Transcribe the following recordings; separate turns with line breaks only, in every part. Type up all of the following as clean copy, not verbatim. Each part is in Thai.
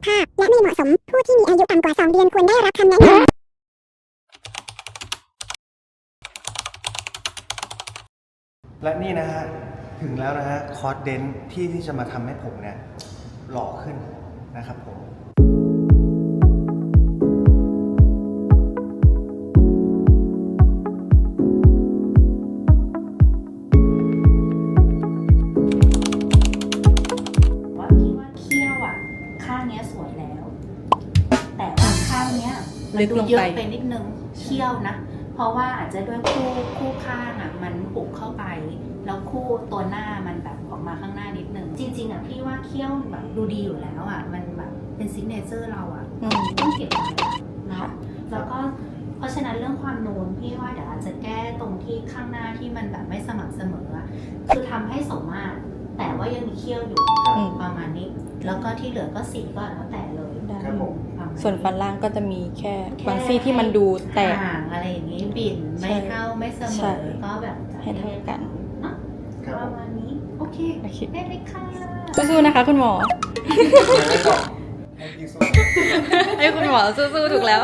ภาพและไม่เหมาะสมผู้ที่มีอายุต่ำกว่า2 เดือนควรได้รับคำแนะนำ
และนี่นะฮะถึงแล้วนะฮะคอร์สเดนที่จะมาทำให้ผมเนี่ยหล่อขึ้นนะครับผม
ข้างเนี้ยสวยแล้ว แต่ว่าข้างเนี้ยมันดูเยอะไปนิดนึงเขี้ยวนะเพราะว่าอาจจะด้วยคู่ข้างอ่ะมันปุกเข้าไปแล้วคู่ตัวหน้ามันแบบออกมาข้างหน้านิดนึงจริงๆอ่ะพี่ว่าเขี้ยวแบบดูดีอยู่แล้วอ่ะมันแบบเป็นซิกเนเจอร์เราอ่ะต้องเก็บไว้เนาะแล้วก็เพราะฉะนั้นเรื่องความนูนพี่ว่าเดี๋ยวอาจจะแก้ตรงที่ข้างหน้าที่มันแบบไม่สม่ำเสมอคือทำให้สมมาตรแต่ว่ายังมีเขี้ยวอยู่ประมาณนี้แล้วก็ที่เหลือก็สีก็แล้วแต่เลย
ส่วนฟันล่างก็จะมีแค่บางซี่ที่มันดูแตก
ห่างอะไรอย่างนี้บิ่นไม่เท่าไม่เสมอก็แบบ
ให้เท่ากัน
ประมาณนี้โอเคได้เลยค่ะ
สู้ๆนะคะคุณหมอให้คุณหมอสู้ๆถูกแล้ว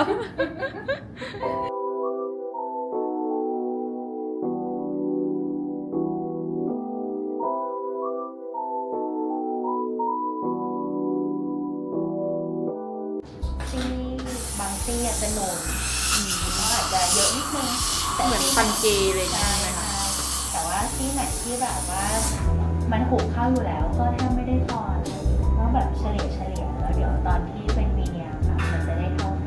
บางซี่จะโหนนก็อาจจะเยอะนิดนึง
เหมือนฟันเกย์เลยใช่ไหมคะ
แต่ว่าที่ไหนที่แบบว่ามันหุบเข้าอยู่แล้วก็ถ้าไม่ได้ทอนก็แบบเฉลี่ยแล้วเดี๋ยวตอนที่เป็นวีเนียร์ค่ะมันจะได้เท่ากัน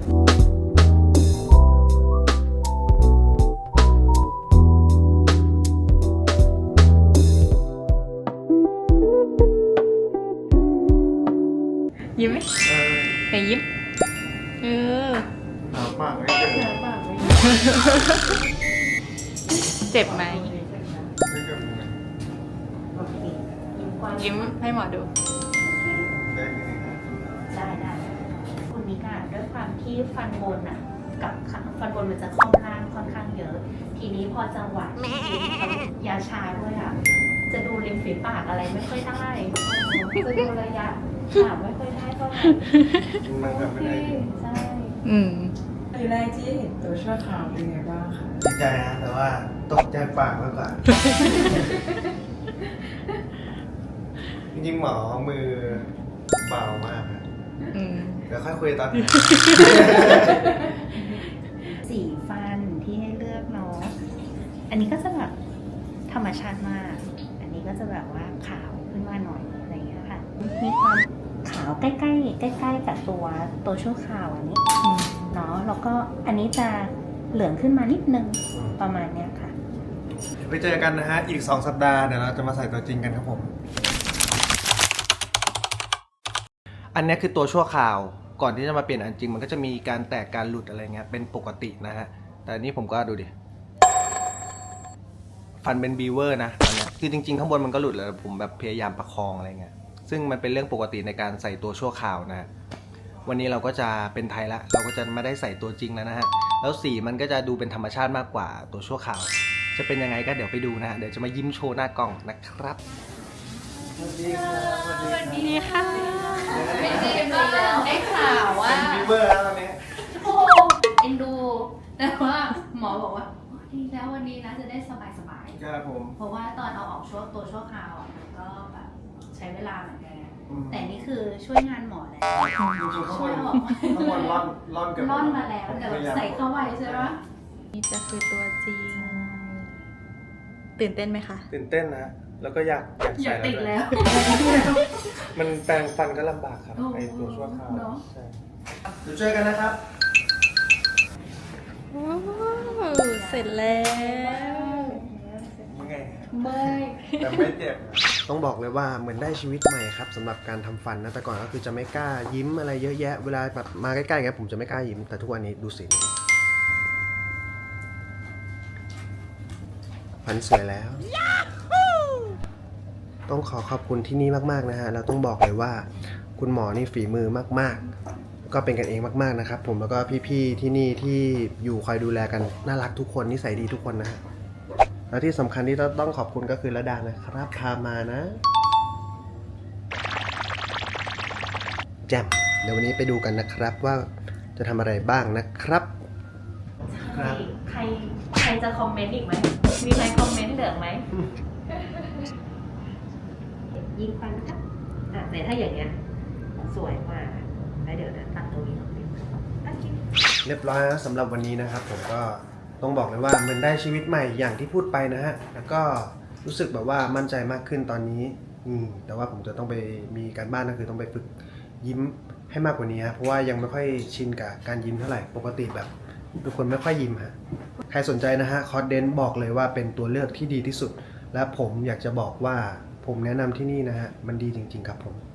ยิ้มไหมไหนยิ้ม
หนาวมากเลย
เจ็บไหมยิ้มให้หมอดู
ได้คุณนิกาด้วยความที่ฟันบนอ่ะกับฟันบนมันจะค่อนล่างค่อนข้างเยอะทีนี้พอจังหวะยาชาด้วยอ่ะจะดูริมฝีปากอะไรไม่ค่อยได้จะดูระยะปากไม่ค่อยได้เท่าไหร่
มันแบบไม่ได้
ใช่
ทีแรกที่เห็นตัวชั่วคราวเป็นไงบ้างคะ
ดีใจนะแต่ว่าตกใจปากมากกว่าจริงๆหมอมือเบามากนะเดี๋ยวค่อยคุยตอนนี้
สีฟันที่ให้เลือกเนาะอันนี้ก็จะแบบธรรมชาติมากอันนี้ก็จะแบบว่าขาวขึ้นมาหน่อยอะไรอย่างเงี้ยค่ะมีความขาวใกล้กับตัวชั่วคราวอันนี้เนาะแล้วก็อันนี้จะเหลืองขึ้นมานิดนึงประมาณเนี้ยค่ะ
ไปเจอกันนะฮะอีก2 สัปดาห์เดี๋ยวเราจะมาใส่ตัวจริงกันครับผมอันนี้คือตัวชั่วคราวก่อนที่จะมาเปลี่ยนอันจริงมันก็จะมีการแตกการหลุดอะไรเงี้ยเป็นปกตินะฮะแต่อันนี้ผมก็ดูดิฟันเป็นบีเวอร์นะตอนนี้คือจริงๆข้างบนมันก็หลุดแล้วผมแบบพยายามประคองอะไรเงี้ยซึ่งมันเป็นเรื่องปกติในการใส่ตัวชั่วคราวนะฮะวันนี้เราก็จะเป็นไทยละเราก็จะไม่ได้ใส่ตัวจริงแล้วนะฮะแล้วสีมันก็จะดูเป็นธรรมชาติมากกว่าตัวชั่วคราวจะเป็นยังไงก็เดี๋ยวไปดูนะฮะเดี๋ยวจะมายิ้มโชว์หน้ากล้องนะครับสวัสดี
ค่ะ
ได้ข่าวว่า
เป็นบีเวอร์แล้วตอนนี้
โอ้เอ็นดูแต่ว่าหมอบอกว่าดีแล้ววันนี้นะจะได้สบาย
ครับผม
เพราะว่าตอนเอาออกตัวชั่วคราวอ่ะก็แบบใช้เวลาเหมือนกันแต่นี่คือช่วยงานหมอแล้ว
ช่วยออกข้างบนร่อน
ร่อนมาแล้วแต่ใส่เข้าไว้ใช่ไหม
นี่จะคือตัวจริงตื่นเต้นไหมคะ
ตื่นเต้นนะแล้วก็อยากใส่
ติดแล้ว
มันแปรงฟันก็ลำบากครับไอตัวชั่วคราวใช่เดี๋ยวเจอกันนะครับ
เสร็จแล้ว
แต่ไม่เจ็บต้องบอกเลยว่าเหมือนได้ชีวิตใหม่ครับสำหรับการทำฟันนะแต่ก่อนก็คือจะไม่กล้ายิ้มอะไรเยอะแยะเวลาแบบมาใกล้ๆกันผมจะไม่กล้ายิ้มแต่ทุกวันนี้ดูสิฟันสวยแล้วต้องขอบคุณที่นี่มากๆนะฮะเราต้องบอกเลยว่าคุณหมอนี่ฝีมือมากๆก็เป็นกันเองมากๆนะครับผมแล้วก็พี่ๆที่นี่ที่อยู่คอยดูแลกันน่ารักทุกคนนิสัยดีทุกคนนะฮะแล้วที่สำคัญที่ต้องขอบคุณก็คือระดานะครับพามานะแจ่มเดี๋ยววันนี้ไปดูกันนะครับว่าจะทำอะไรบ้างนะครับ ครับ
ใครจะคอมเมนต์อีกไหม มีใครคอมเมนต์เหลืองไหม ยิงฟันนะครับแต่ถ้าอย่างเงี้ยสวยมากแล้วเดี๋ยวนะตัดตรงนี้ออกไปตัดชิ้น
เรียบร้อยแล้วสำหรับวันนี้นะครับ ผมก็ต้องบอกเลยว่ามันได้ชีวิตใหม่อย่างที่พูดไปนะฮะแล้วก็รู้สึกแบบว่ามั่นใจมากขึ้นตอนนี้แต่ว่าผมจะต้องไปมีการบ้านก็คือต้องไปฝึกยิ้มให้มากกว่านี้ฮะเพราะว่ายังไม่ค่อยชินกับการยิ้มเท่าไหร่ปกติแบบทุกคนไม่ค่อยยิ้มฮะใครสนใจนะฮะคอร์สเดนบอกเลยว่าเป็นตัวเลือกที่ดีที่สุด และผมอยากจะบอกว่าผมแนะนำที่นี่นะฮะมันดีจริงๆครับผม